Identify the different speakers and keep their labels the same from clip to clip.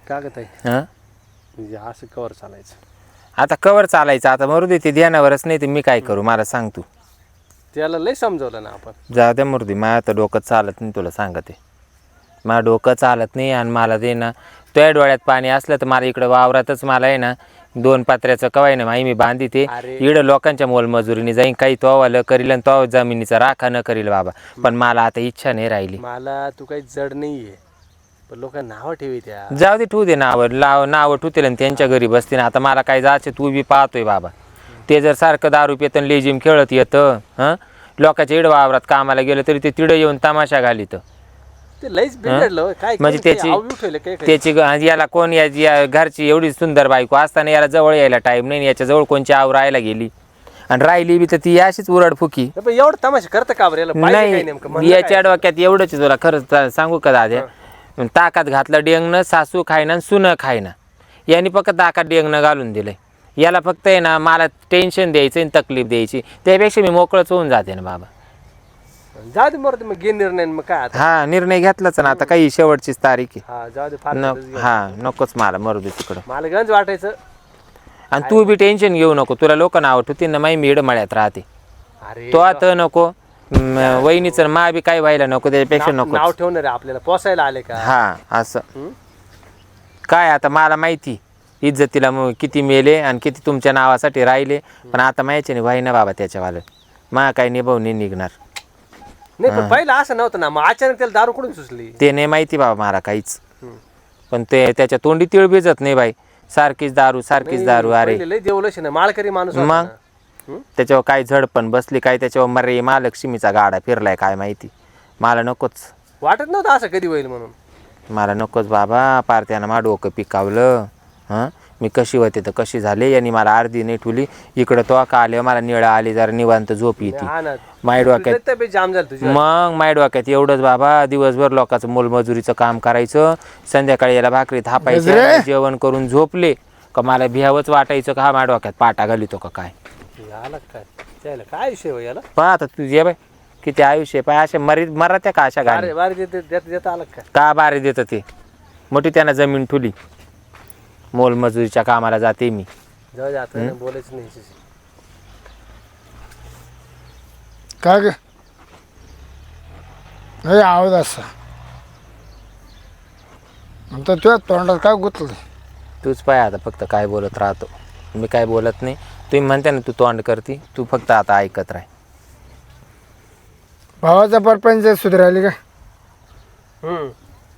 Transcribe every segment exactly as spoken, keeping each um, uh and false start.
Speaker 1: का ग ताई
Speaker 2: हां
Speaker 1: म्हणजे असं कवर चालायचं
Speaker 2: आता कवर चालायचं आता मरू दे ते ध्यानावरच नाही तर मी काय करू मला सांग तू
Speaker 1: त्याला लय समजवलं ना आपण
Speaker 2: जाऊ द्या मरू दे माझ्या आता डोकं चालत नाही तुला सांगते मला डोकं चालत नाही आणि मला ते ना तुझ्या डोळ्यात पाणी असलं तर मला इकडं वावरातच मला आहे ना दोन पात्र्याचं कवाय ना माही मी बांधी ते
Speaker 1: अरे.
Speaker 2: इकडं लोकांच्या मोलमजुरीने जाईन काही तो वालं करील आणि तो जमिनीचा राखा न करील बाबा पण मला आता इच्छा नाही राहिली
Speaker 1: मला तू काही जड नाहीये पण लोक नाव ठेवी त्या
Speaker 2: जाऊ दे ठेवू दे नावं लाव नावं ठेवतील आणि त्यांच्या घरी बसतील आता मला काय जायचं तू बी पाहतोय बाबा ते जर सारखं दारू पितं आणि लेजिम खेळत येतं हां लोकांच्या इड वावरात कामाला गेलं तरी ते तिडं येऊन तमाशा घालीत
Speaker 1: ते लईच बिघडलं काय
Speaker 2: म्हणजे
Speaker 1: कोणी काही
Speaker 2: त्याची
Speaker 1: आव ठेवलं काय काय
Speaker 2: त्याची ग- याला कोण या या घरची एवढी सुंदर बायको असताना याला जवळ यायला टाईम नाही याच्या जवळ कोणची आव राहायला गेली आणि राहिली बी तर ती अशीच उरडफुकी
Speaker 1: पण एवढं तमाशा करतं का बरं याला पाहिजे काय नेमकं
Speaker 2: नाही
Speaker 1: म्हणलं
Speaker 2: याच्या
Speaker 1: काय?
Speaker 2: डोक्यात एवढंच आहे तुला खरंच ता- सांगू का दाद्या ताकात घातलं डेंगणं सासू खायना आणि सुनं खायना यांनी फक्त ताकात डेंगणं घालून दिलंय याला फक्त आहे ना मला टेन्शन द्यायचं आणि तकलीफ द्यायची त्यापेक्षा मी मोकळंच होऊन जाते ना बाबा
Speaker 1: जाऊ दे मरते मग घे निर्णय मग काय आता
Speaker 2: हा निर्णय घेतलाच ना आता काही शेवटचीच तारीख आहे
Speaker 1: हा जाऊ दे फार
Speaker 2: न
Speaker 1: दिवस गेले.
Speaker 2: हा नकोच मला मरू दे तिकडं
Speaker 1: मला गंज वाटायचं
Speaker 2: आणि तू बी टेन्शन घेऊ नको तुला लोक नाव ठेवतील ना माही मीड मळ्यात राहते
Speaker 1: अरे
Speaker 2: तो आता नको म, वहिनीचं मा बी काय व्हायला नको त्याच्यापेक्षा
Speaker 1: नाव
Speaker 2: नको
Speaker 1: नाव ठेवणार आहे आपल्याला पोसायला आले का
Speaker 2: हा असं
Speaker 1: हं?
Speaker 2: काय आता मला माहिती इज्जतीला मग किती मेले आणि किती तुमच्या नावासाठी राहिले पण आता माहिती नाही व्हाय ना बाबा त्याच्यावालं मा काय निभाव नाही निघणार
Speaker 1: नाही पण पहिलं असं नव्हतं ना मग अचानक त्याला दारू कुठून सुचली
Speaker 2: ते नाही माहिती बाबा मला काहीच
Speaker 1: हं.
Speaker 2: पण ते त्याच्या तोंडी तिळ भिजत नाही बाई सारखीच दारू सारखीच दारू अरे
Speaker 1: पहिले लय देवलश ना माळकरी माणूस होता
Speaker 2: मग?
Speaker 1: ना. हं?
Speaker 2: त्याच्यावर काय झडपण बसली काय त्याच्यावर मरे महालक्ष्मीचा गाडा फिरलाय काय माहिती मला नकोच
Speaker 1: वाटत नव्हतं असं कधी होईल म्हणून
Speaker 2: मला नकोच बाबा पार त्यानं मा डोकं पिकावलं हां मी कशी होते तर कशी झाले यांनी मला अर्धी नाही ठुली इकडं तो का आले मला निळा आली जरा निवांत झोप येते
Speaker 1: हा ना
Speaker 2: माय डोक्यात
Speaker 1: तुझी तब्येत जाम झाली तुझी
Speaker 2: मग माय डोक्यात एवढंच बाबा दिवसभर लोकांचं मोलमजुरीचं काम करायचं संध्याकाळी याला भाकरी थापायचं जेवण करून झोपले का मला भिहावंच वाटायचं का हा माझ्या डोक्यात पाटा घालितो का काय
Speaker 1: याला काय त्याला काय विषय हो याला
Speaker 2: पहा आता तुझे बाय किती आयुष्य पाय असे मरी मरात्या का अशा गाडी
Speaker 1: अरे बारे देत देत देत आलं काय
Speaker 2: का बारे देतं ते मोठी त्यानं जमीन ठुली मोलमजुरीच्या कामाला जाते मी
Speaker 1: जाऊ दे आता बोलायचं नाही हिच्याशी.
Speaker 3: काय ग नाही आवाज असा आता तुझ्या तोंडात काय गुतलं
Speaker 2: तूच पाय आता फक्त काय बोलत राहतो मी काय बोलत नाही तुम्ही म्हणते ना तू तोंड करती तू फक्त आता ऐकत राह
Speaker 3: भावाचा परपंच सुधारायली का
Speaker 1: हम्म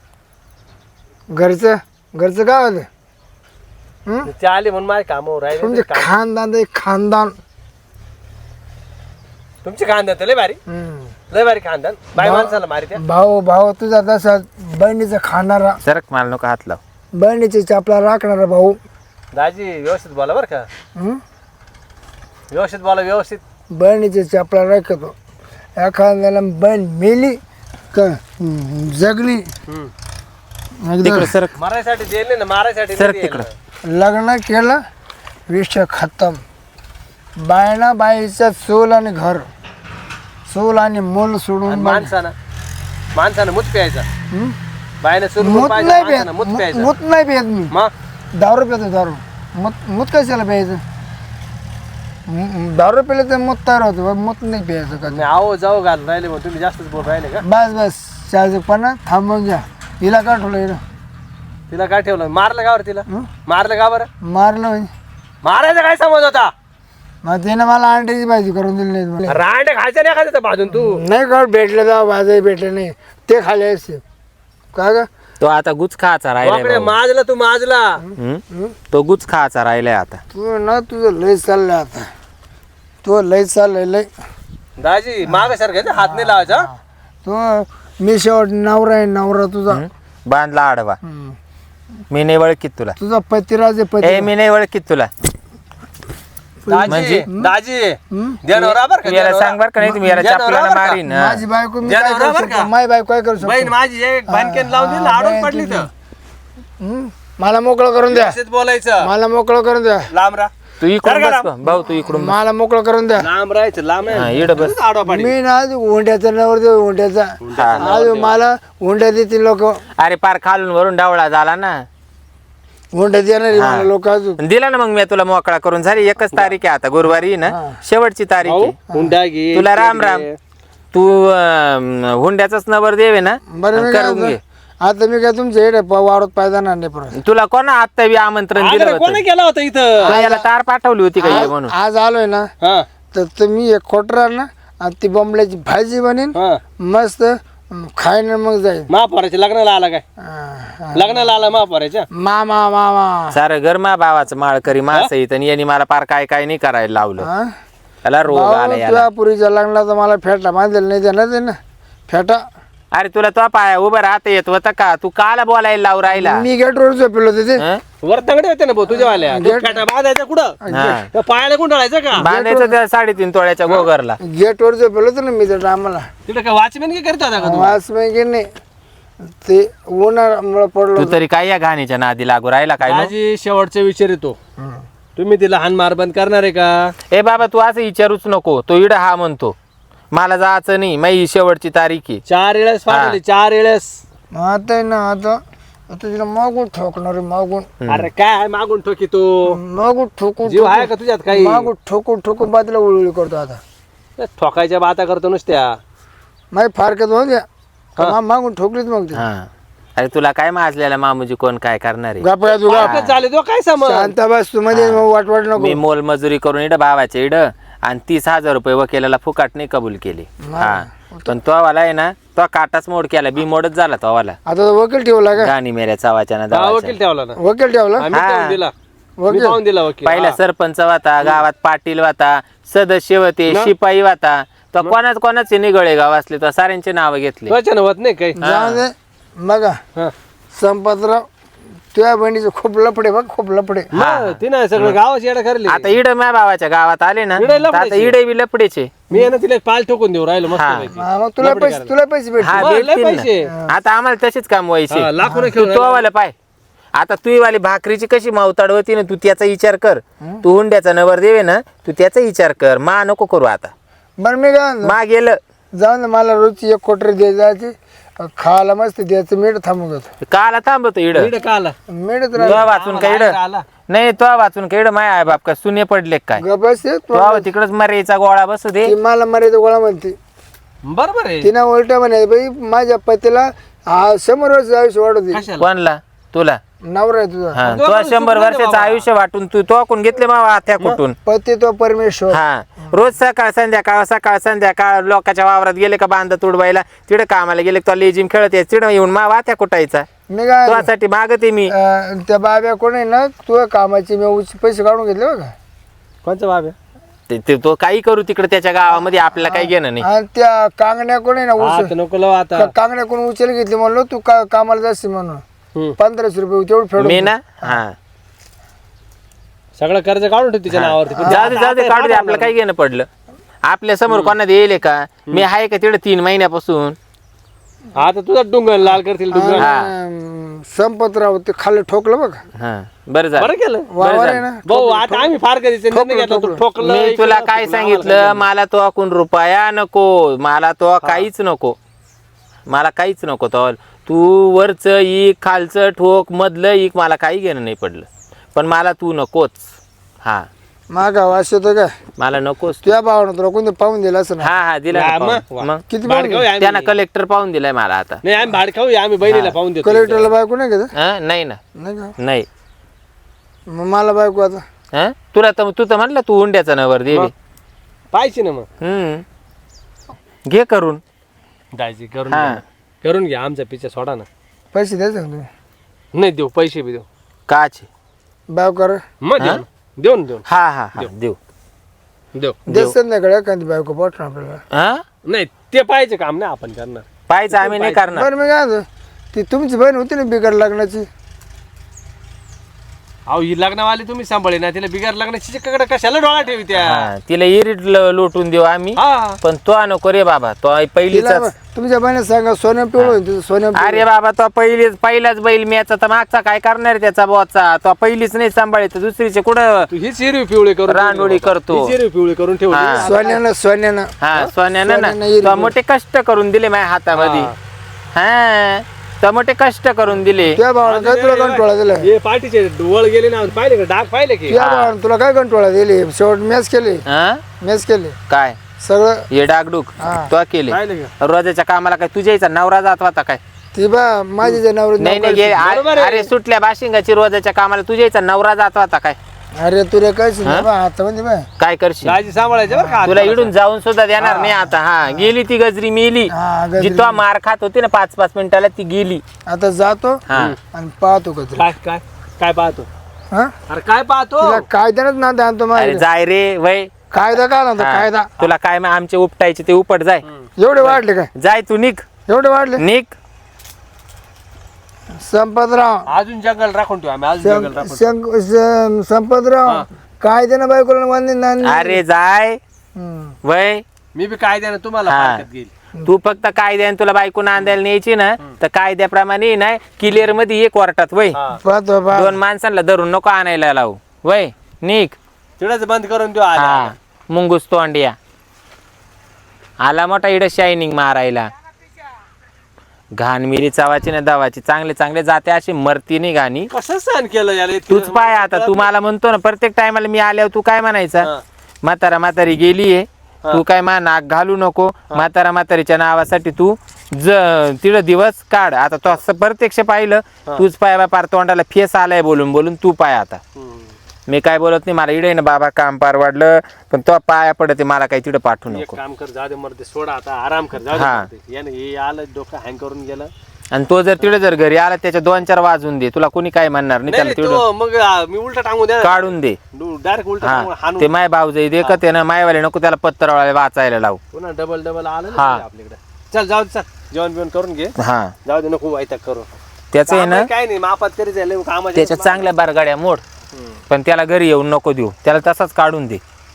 Speaker 3: घरचं घरचं काय आलं हं?
Speaker 1: ते आले म्हणून माझे कामावर राहिले
Speaker 3: तुमचे
Speaker 1: ते काम-
Speaker 3: खानदान ते खानदान
Speaker 1: तुमचे खानदान तर लय भारी
Speaker 3: हं.
Speaker 1: लय भारी खानदान बाय
Speaker 3: भाव-
Speaker 1: माणसाला मारी त्या
Speaker 3: भाऊ भाऊ तुझा तसा बहिणीचा खाणारा
Speaker 2: सरक मला नको हात लाव
Speaker 3: बहिणीची चापला राखणारा भाऊ
Speaker 1: दाजी व्यवस्थित बोला बरं का
Speaker 3: हं?
Speaker 1: व्यवस्थित बोला व्यवस्थित
Speaker 3: बहिणीची चापला राखतो एखाद्याला बहीण मेली का हं, जगली
Speaker 1: हम्म.
Speaker 3: एकदा
Speaker 2: तिकडे सरक
Speaker 1: मारायसाठी दिले ना मारायसाठी
Speaker 2: सरक
Speaker 1: नाही
Speaker 2: तिकडं.
Speaker 1: दिलं.
Speaker 3: लग्न केलं विषय खतम बायना बाईचं चूल आणि घर चूल आणि मूल
Speaker 1: आणि
Speaker 3: सोडून
Speaker 1: माणसानं माणसानं मूत प्यायचा
Speaker 3: हं?
Speaker 1: बायनं सुरू
Speaker 3: मूत
Speaker 1: पाहिजे
Speaker 3: नाही
Speaker 1: माणसानं
Speaker 3: पेत
Speaker 1: मूत
Speaker 3: मूत
Speaker 1: प्यायचा
Speaker 3: मूत नाही पेत मी
Speaker 1: मग
Speaker 3: दारू पितो दारू मूत मूत कशाला प्यायचं म- दारू पिलं तर मूत तयार होतं बा, मूत नाही प्यायचं का
Speaker 1: मी आहो जाऊ घालून राहिले मग तुम्ही जास्तच बोल राहिले का
Speaker 3: बस बस चाजूपणा थांबून घ्या हिला का ठेवलं हिला
Speaker 1: तिला काय ठेवलं मारलं का बरं तिला
Speaker 3: हं?
Speaker 1: मारलं का बरं
Speaker 3: मारलं म्हणजे
Speaker 1: मारायचा काय समज होता
Speaker 3: मग तिने मला अंड्याची भाजी करून दिली नाही मला.
Speaker 1: रांड खायचं नाही खायचं भाजून तू
Speaker 3: नाही का भेटलं जा भाजी भेटलं नाही ते खाले असते का ग
Speaker 2: तो आता गुच खायचा राहिलाय
Speaker 1: बापरे,
Speaker 2: भाऊ.
Speaker 1: माजला तू माजला
Speaker 2: हं? तो गुच खायचा राहिलाय आता
Speaker 3: तू ना तुझं लय चाललंय आता तू लय चाललंय लय
Speaker 1: दाजी माग सारखं हात नाही लावायचा
Speaker 3: तू मी शेवट नवरा आहे नवरा तुझा
Speaker 2: हं? बांधला आडवा
Speaker 3: हं.
Speaker 2: मी नाही ओळखीत तुला
Speaker 3: तुझा पतिराज आहे
Speaker 2: ए
Speaker 3: पती
Speaker 2: मी नाही ओळखीत तुला
Speaker 1: दाजी
Speaker 2: म्हणजे?
Speaker 1: दाजी
Speaker 3: हं?
Speaker 1: देणवरा बरं का
Speaker 2: तू याला
Speaker 1: देणवरा.
Speaker 2: सांग बर का नाही तुम्ही याला
Speaker 1: देणवरा
Speaker 2: चापल्यानं
Speaker 1: बरं का?
Speaker 2: मारीन हा.
Speaker 3: माझी बायको मी
Speaker 1: द्या
Speaker 3: काय
Speaker 1: नवरा
Speaker 3: करू
Speaker 1: बरं का?
Speaker 3: शकतो माझी बायको काय करू शकतो
Speaker 1: बहीण माझी एक भानकेन लावून दिली
Speaker 3: हा,
Speaker 1: आडून
Speaker 3: बहीण
Speaker 1: पडली तर
Speaker 3: हं? मला मोकळं करून द्या
Speaker 1: व्यवस्थित बोलायचं
Speaker 3: मला मोकळं करून द्या
Speaker 1: लांब राहा
Speaker 2: तू इकडून
Speaker 1: कर का
Speaker 2: बस गं. भाऊ तू इकडून बस.
Speaker 3: मला मोकळं करून द्या
Speaker 1: लांब राहायचं लांब
Speaker 2: हा,
Speaker 1: नाही
Speaker 2: इकडं बस.
Speaker 1: तुझं आडवा पाडी
Speaker 3: मी ना आज उंड्याचा नवर देऊ उंड्याचा आज मला उंड्या देतील लोक
Speaker 2: अरे पार खालून वरून डावळा झाला ना
Speaker 3: हुंडा देणार आहे मला लोक अजून.
Speaker 2: दिला ना मग मी तुला मोकळा करून. झाली एकच तारीख आहे आता, गुरुवारी आहे ना शेवटची तारीख
Speaker 1: भाऊ,
Speaker 2: आहे.
Speaker 1: हुंडा घे
Speaker 2: तुला राम राम. तू अं, हुंड्याचाच नवर देवे ना
Speaker 3: बरं मी काय
Speaker 2: करून घे.
Speaker 3: म्हणतो, आता मी काय तुमच्या इकडे वावरात पायदा नाही परत.
Speaker 2: तुला कोणा आता बी आमंत्रण दिलं होतं?
Speaker 1: कोणी केला होता इथं?
Speaker 2: तुला याला तार पाठवली होती का ये म्हणून?
Speaker 3: आज आलोय ना
Speaker 1: हा
Speaker 3: तर तुम्ही एक खोटर ना आणि ती बॉम्बल्याची भाजी बनेन
Speaker 1: हा
Speaker 3: मस्त खायन मग जाईल.
Speaker 1: महापौराच्या लग्नाला आला काय?
Speaker 3: हा.
Speaker 1: लग्नाला आला महापौराच्या?
Speaker 3: मामा मामा
Speaker 2: सारं गरमा भावाचं माळकरी मास येत आणि यांनी मला पार काय काय नाही करायला लावलं.
Speaker 3: हा?
Speaker 2: त्याला रोग आला
Speaker 3: भाऊ,
Speaker 2: याला.
Speaker 3: तुझ्या पुरीच्या लग्नाला तर मला फेटा बांधेल नाही देणार ते ना फेटा.
Speaker 2: अरे तुला तो पाया उभं राहता येत होता का? तू काला बोलायला लावू राहिला?
Speaker 3: मी गेटवर झोपेलो होते ते.
Speaker 2: हं?
Speaker 1: वर तंगडे होते ना भाऊ तुझ्यावाल्या. तू
Speaker 3: गेट-
Speaker 1: फेटा बांधायचा कुठं?
Speaker 2: हा.
Speaker 1: त्या पायाला गुंडाळायचं का?
Speaker 2: बांधायचं त्या साडेतीन तोळ्याच्या गोगरला.
Speaker 3: गेटवर झोपेलो होतो ना मी त्या टायमाला.
Speaker 1: तिथे काय वॉचमॅन काय करत होता का तू?
Speaker 3: वाच माहिती नाही ते उन्हामुळे पडलो
Speaker 2: तू तरी काय या घाणीच्या नादी लागू राहिला काय नो?
Speaker 1: माझी शेवटचा विचार येतो,
Speaker 3: हं.
Speaker 1: तुम्ही तिला हान मार बंद करणार आहे का?
Speaker 2: ए बाबा तू असं विचारूच नको. तो इड हा म्हणतो मला जायचं नाही, माझी शेवटची तारीख आहे.
Speaker 1: चार वेळेस पाठवले, चार वेळेस.
Speaker 3: आता आहे ना आता आता तिला मागून ठोकणार आहे, मागून
Speaker 1: अरे काय मागून ठोकी तू?
Speaker 3: मागून ठोकून
Speaker 1: जीव आहे का तुझ्यात काही?
Speaker 3: मागून ठोकून ठोकून बाजूला उळवळी करतो आता.
Speaker 1: ठोकायच्या बाता करतो नुसत्या.
Speaker 3: माही फारकत होऊ द्या का मा- मागून ठोकलीच मग ते.
Speaker 2: हा अरे तुला काय माजलेला मामूजी कोण काय करणार आहे?
Speaker 3: गापया तू गाप.
Speaker 1: पाकच झाले तो काय समज?
Speaker 3: शांत बस तू मध्ये वाट वाट नको.
Speaker 2: मी मोलमजुरी करून इड भावाच्या इड आणि तीस हजार रुपये वकिलाला फुकाट नाही कबूल केले. हा पण तो वाला आहे ना तो काटाच मोड केला, बी मोडच झाला तो वाला.
Speaker 3: आता तो वकील ठेवला का?
Speaker 2: गाणी मेऱ्या चावाच्या ना
Speaker 1: हा,
Speaker 2: दावाच्या.
Speaker 1: वकील ठेवला ना
Speaker 3: वकील ठेवला
Speaker 1: आम्ही
Speaker 2: हा.
Speaker 1: पाहून दिला. मी
Speaker 3: वकील
Speaker 1: पाहून दिला वकील.
Speaker 2: पहिला
Speaker 1: हा.
Speaker 2: सरपंच वाता, गावात पाटील वाता, सदस्य होते, शिपाई वाता. तो कोणाच कोणाचे निगळे गाव असले तो साऱ्यांचे नाव घेतले.
Speaker 1: त्वचा होत नाही काही.
Speaker 3: जाऊ दे बघा
Speaker 1: हा.
Speaker 3: संपतराव तुझ्या बहिणीचं खूप लफडे बघ खूप लफडे.
Speaker 1: मग तिनं सगळं गावाची येडा करली.
Speaker 2: आता इड माझ्या भावाच्या गावात आले ना
Speaker 1: इडे
Speaker 2: तर आता
Speaker 1: लफडेचे.
Speaker 2: इडे बी लपडेचे.
Speaker 1: मी आहे ना तिला एक पाल ठोकून देऊ राहिलो मस्त
Speaker 2: हा.
Speaker 1: पैकी.
Speaker 3: हा, मग तुला पैसे तुला पैसे भेट
Speaker 2: हा
Speaker 1: मग लय
Speaker 2: भेटतील
Speaker 1: पैसे.
Speaker 2: ना. आता आम्हाला तसेच काम व्हायचे.
Speaker 1: हा, लाखोनं
Speaker 2: तू
Speaker 1: खेळून
Speaker 2: तो वाला पाय आता तू वाली भाकरीची कशी मावताड होती ना, तू त्याचा विचार कर. तू हुंड्याचा नवर देवे ना, तू त्याचा विचार कर. मा नको करू आता.
Speaker 3: बरं मी काय म्हणतो,
Speaker 2: मा गेलं
Speaker 3: जाऊन दे मला रोजची एक कोटरी दे जायची खायला मस्त द्यायचं मीठ थांबून घेतो
Speaker 2: काला थांबतो इड.
Speaker 1: इकडे का आला?
Speaker 3: मीठच
Speaker 2: तो
Speaker 3: राहिलं
Speaker 2: वाचून काय इड
Speaker 1: आला.
Speaker 2: नाही तो वाचून काय इड माय आहे बाप का सुने पडले काय
Speaker 3: गबस
Speaker 2: तो तिकडच मरेचा गोळा बसू दे.
Speaker 3: ती मला मरायचं गोळा म्हणते.
Speaker 1: बरोबर आहे.
Speaker 3: तिनं उलट म्हणे बाई माझ्या पतीला हा शंभर वर्ष आयुष्य वाढवते.
Speaker 1: कशाला?
Speaker 2: कोणला? तुला?
Speaker 3: नवरा आहे तुझा
Speaker 2: हा
Speaker 1: दोघं
Speaker 2: तो शंभर
Speaker 1: सुटले
Speaker 2: वर्षाचं
Speaker 1: बाबा.
Speaker 2: आयुष्य वाटून तू तो कोण घेतले मावा आत्या कुठून?
Speaker 3: पती तो परमेश्वर.
Speaker 2: हा रोज सकाळ संध्याकाळ सकाळ संध्याकाळ लोकांच्या वावरात गेले का बांध तुडवायला, तिकडे कामाला गेले का लेजिम खेळत यायचं, तिकडे येऊन मा वात्या कुटायचा.
Speaker 3: मी काय
Speaker 2: तुझ्यासाठी मागते मी.
Speaker 3: अं, त्या बाब्या कोण आहे ना तुझ्या कामाची मी उच- पैसे काढून घेतले बघा.
Speaker 1: कोणचा बाब आहे?
Speaker 2: ते- ते तो काही करू तिकडे त्याच्या गावामध्ये आपल्याला काही घेणं नाही.
Speaker 3: आणि त्या कांगण्या कोण आहे ना
Speaker 1: हा,
Speaker 3: उचल
Speaker 1: तर नको लावू आता.
Speaker 3: त्या कांगण्या कोण उचल घेतली म्हणलो तू का कामाला जाशील म्हणून
Speaker 1: हम्म.
Speaker 3: पंधराशे रुपये तेवढं फेडून
Speaker 2: मी ना हा
Speaker 1: सगळं कर्ज काढून ठेव तिच्या नावावरती. पण
Speaker 2: जाऊ दे जाऊ दे
Speaker 1: आता
Speaker 2: काढू दे.
Speaker 1: आता
Speaker 2: आपल्याला काही घेणं पडलं आपल्या समोर कोणा येईल का? मी आहे का तिकडे तीन महिन्यापासून.
Speaker 1: आता तुझा डुंगर लाल करतील डुंगर.
Speaker 3: अं, संपतराव ते खाली ठोकलं बघ
Speaker 2: हा बरं झालं.
Speaker 1: बरं केलं
Speaker 3: वावर आहे ना
Speaker 1: भाऊ. आता आम्ही फार कधीच निर्णय घेतला तू ठोकलं.
Speaker 2: मी
Speaker 1: इकडं
Speaker 2: तुला
Speaker 1: ठोकलं,
Speaker 2: काय
Speaker 1: आम्हाला
Speaker 2: सांगितलं, मला तो अकून रुपया नको, मला तो काहीच नको, मला काहीच नको. तो तू वरचं इक खालचं ठोक मधलं इक मला काही घेणं नाही पडलं, पण मला तू नकोच. हा
Speaker 3: मागा वास येतो काय
Speaker 2: मला नकोच.
Speaker 3: तुझ्या भावानं तुला कोणतं पाहून दिलं असं ना.
Speaker 2: हा हा दिला
Speaker 1: हा,
Speaker 2: ना
Speaker 1: मग.
Speaker 2: पाहून. मग
Speaker 3: किती
Speaker 1: भाड
Speaker 3: पाहून
Speaker 1: खाऊ आम्ही.
Speaker 2: त्यानं कलेक्टर पाहून दिलाय मला आता.
Speaker 1: नाही आम्ही भाड खाऊ आम्ही बहिणीला पाहून देतो.
Speaker 3: कलेक्टरला बायको नाही का ते?
Speaker 2: हा नाही ना
Speaker 3: नाही का
Speaker 2: नाही.
Speaker 3: मग मला बायको आता
Speaker 2: हा तुला तर तू तर म्हणलं तू हुंड्याचा नवर देवी.
Speaker 1: मग. पाहिजे ना मग.
Speaker 2: हम्म घे करून.
Speaker 1: दाजी करून
Speaker 2: हा.
Speaker 1: घ्या ना. करून घ्या आमचा पिच्छा सोडा ना.
Speaker 3: पैसे द्यायचे का तुम्ही
Speaker 1: नाही देऊ पैसे बी देऊ.
Speaker 2: काचे?
Speaker 3: बायको कर
Speaker 1: मग देऊ ना. देऊ ना देऊ
Speaker 2: हा हा हा देऊ.
Speaker 1: ना. देऊ.
Speaker 3: देत संध्याकडे एखादी बायको पाठवून आपल्याला.
Speaker 2: हा
Speaker 1: नाही ते पाहिजे काम नाही आपण करणार.
Speaker 2: पाहायचं आम्ही नाही करणार.
Speaker 3: बरं मी काय म्हणतो, ती तुमची बहीण होती ना बिगर लग्नाची
Speaker 1: अहो ही लग्नवाली तुम्ही सांभाळे ना तिला बिगार लग्नाची चिकाकडे कशाला डोळा ठेवी त्या.
Speaker 2: हा, तिला इरीट ल- लोटून देऊ आम्ही.
Speaker 1: हा
Speaker 2: पण तो नको रे बाबा, तो पहिलीच.
Speaker 3: तिला तुमच्या बहिणी सांगा सोन्या पिवळं होईल तुझं सोन्या
Speaker 2: अरे बाबा तो पहिलीच पहिलाच बैल म्याचा तर मागचा काय करणार आहे त्याचा बॉचा. तो पहिलीच नाही सांभाळत, दुसरीचे कुठं
Speaker 1: तू हीच हिरवी पिवळे करून
Speaker 2: रांडोळी करतो.
Speaker 1: हीच हिरवी पिवळे करून ठेवली.
Speaker 2: हा.
Speaker 3: सोन्यानं सोन्यानं
Speaker 2: हा सोन्यानं
Speaker 3: सोन्यानं
Speaker 2: ना
Speaker 3: इरीट
Speaker 2: तो मोठे कष्ट करून दिले माझ्या हातामध्ये. हा टमाटे कष्ट करून दिले.
Speaker 3: त्या भावानं काय तुला कंटोळा दिला
Speaker 1: हे पाठीचे डोळ गेले ना पाहिले का डाग पाहिले की
Speaker 3: त्या भावानं तुला काय कंटोळा दिली शेवट मॅच केली
Speaker 2: हा?
Speaker 3: मॅच केली
Speaker 2: काय
Speaker 3: सगळं
Speaker 2: हे डागडूक
Speaker 3: हा.
Speaker 2: तो केले
Speaker 1: पाहिले का
Speaker 2: रोजाच्या कामाला काय तुझ्या इथं नवरा जात होता काय?
Speaker 3: ती बा माझी जनावर
Speaker 2: नाही नाही गे-
Speaker 1: बरोबर आहे.
Speaker 2: अरे सुटल्या बाशिंगाची रोजाच्या कामाला तुझ्या इथं नवरा जात होता काय?
Speaker 3: अरे तुला काय बा आता म्हणजे बा
Speaker 2: काय करशील?
Speaker 1: दाजी सांभाळायचे बरं का
Speaker 2: तुला इडून जाऊन सुद्धा देणार नाही आता. हा गेली ती गजरी मेली
Speaker 3: हा गजरी.
Speaker 2: जी तो मार खात होती ना पाच पाच मिनिटाला ती गेली.
Speaker 3: आता जातो
Speaker 2: हा
Speaker 3: आणि पाहतो का तुला
Speaker 1: काय काय काय पाहतो
Speaker 3: हा
Speaker 1: अरे काय पाहतो
Speaker 3: तिला कायद्यानच ना आणतो
Speaker 2: अरे
Speaker 3: माझ्या
Speaker 2: जाय रे वय.
Speaker 3: कायदा काय आणतो
Speaker 2: हा.
Speaker 3: कायदा
Speaker 2: तुला काय मग आमचे उपटायचे ते उपट जाय.
Speaker 3: एवढे वाढले काय
Speaker 2: जाय तू निघ
Speaker 3: एवढे वाढले
Speaker 2: निघ.
Speaker 3: संपतराव
Speaker 1: अजून जंगल राखून ठेवू आम्ही अजून जंगल राखून ठेवू.
Speaker 3: शंक- श- संपतराव कायद्यानं बायकोला मान्य नाही
Speaker 2: अरे जाय
Speaker 3: हम्म.
Speaker 2: वय.
Speaker 1: मी बी कायद्याने तुम्हाला
Speaker 2: हा.
Speaker 1: फारकत घेईल
Speaker 2: तू फक्त कायद्याने तुला बायको नांदायला न्यायची ना तर कायद्याप्रमाणे ना क्लिअर मध्ये ये कोर्टात वय.
Speaker 1: हा
Speaker 3: पाहतो पा
Speaker 2: दोन माणसांना धरून नको आणायला लावू वय. निघ.
Speaker 1: तिकडच बंद करून देऊ आले
Speaker 2: हा मुंगूस तोंडिया आला मोठा इड शायनिंग मारायला. घाण मिरी चावाची ना दावाची चांगले चांगले जाते अशी मरती नाही घाणी.
Speaker 1: कसं सहन केलं यार हे
Speaker 2: तूच पाय आता तू मला म्हणतो ना प्रत्येक टायमाला मी आल्यावर तू काय म्हणायचा
Speaker 1: हा.
Speaker 2: म्हातारा म्हातारी गेलीये तू काय मा नाक घालू नको म्हातारा म्हातारीच्या नावासाठी तू ज तिथं दिवस काढ. आता तो असं प्रत्यक्ष पाहिलं तूच पाय पार तोंडाला फेस आलाय बोलून बोलून तू पाय आता.
Speaker 1: हम्म.
Speaker 2: मी काय बोलत नाही मला इडे ना बाबा काम पार वाढलं पण तो पाया पडते मला काही तिथं पाठवू
Speaker 1: एक
Speaker 2: नको.
Speaker 1: काम कर जाऊ दे मरते सोडा आता आराम कर जाऊ दे
Speaker 2: हा.
Speaker 1: मरते. यानं हे आलं डोकं हँग करून गेलं
Speaker 2: आणि तो जर तिकडे जर घरी आला त्याच्या दोन चार वाजून दे तुला कोणी काय म्हणणार नाही.
Speaker 1: नाही
Speaker 2: त्याला
Speaker 1: नाही,
Speaker 2: तिकडं
Speaker 1: तो मग आ, मी उलटा टांगून द्या
Speaker 2: काढून दे.
Speaker 1: डायरेक्ट उलटा टांगून
Speaker 2: हा
Speaker 1: हाणून
Speaker 2: ते माय भाऊ जाई दे का ते ना मायवाले नको त्याला पत्तरवाले वाचायला लावू.
Speaker 1: पुन्हा डबल डबल आलं
Speaker 2: हा.
Speaker 1: ना आपल्याकडे. चल जाऊ दे चल जेवण बिवण करून घे
Speaker 2: हा
Speaker 1: जाऊ दे नको वाईट करू
Speaker 2: त्याचं आहे ना
Speaker 1: कामं काय नाही मापात तरी झाले कामाच्या
Speaker 2: त्याच्या चांगल्या बारगाड्या मोड
Speaker 1: हम्म.
Speaker 2: पण त्याला घरी येऊन नको देऊ त्याला तसाच काढून दे.